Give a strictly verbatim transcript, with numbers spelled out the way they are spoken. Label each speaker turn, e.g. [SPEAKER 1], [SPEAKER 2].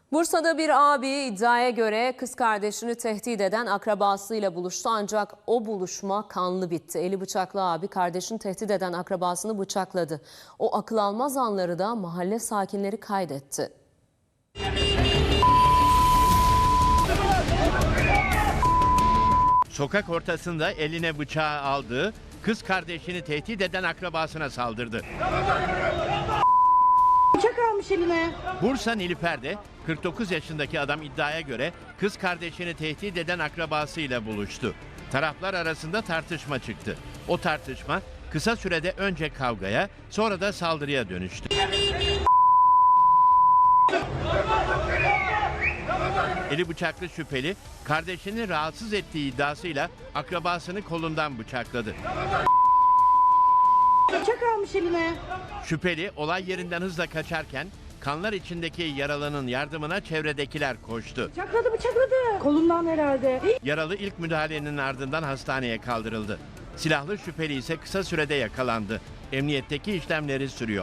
[SPEAKER 1] Bursa'da bir abi iddiaya göre kız kardeşini tehdit eden akrabasıyla buluştu ancak o buluşma kanlı bitti. Eli bıçaklı abi kardeşini tehdit eden akrabasını bıçakladı. O akıl almaz anları da mahalle sakinleri kaydetti.
[SPEAKER 2] Sokak ortasında eline bıçağı aldığı, kız kardeşini tehdit eden akrabasına saldırdı.
[SPEAKER 3] Bıçak almış eline.
[SPEAKER 2] Bursa Nilüfer'de kırk dokuz yaşındaki adam iddiaya göre kız kardeşini tehdit eden akrabasıyla buluştu. Taraflar arasında tartışma çıktı. O tartışma kısa sürede önce kavgaya, sonra da saldırıya dönüştü. Eli bıçaklı şüpheli kardeşini rahatsız ettiği iddiasıyla akrabasını kolundan bıçakladı.
[SPEAKER 3] Bıçak almış eline.
[SPEAKER 2] Şüpheli olay yerinden hızla kaçarken kanlar içindeki yaralının yardımına çevredekiler koştu.
[SPEAKER 3] Bıçakladı bıçakladı. Kolundan herhalde.
[SPEAKER 2] Yaralı ilk müdahalenin ardından hastaneye kaldırıldı. Silahlı şüpheli ise kısa sürede yakalandı. Emniyetteki işlemleri sürüyor.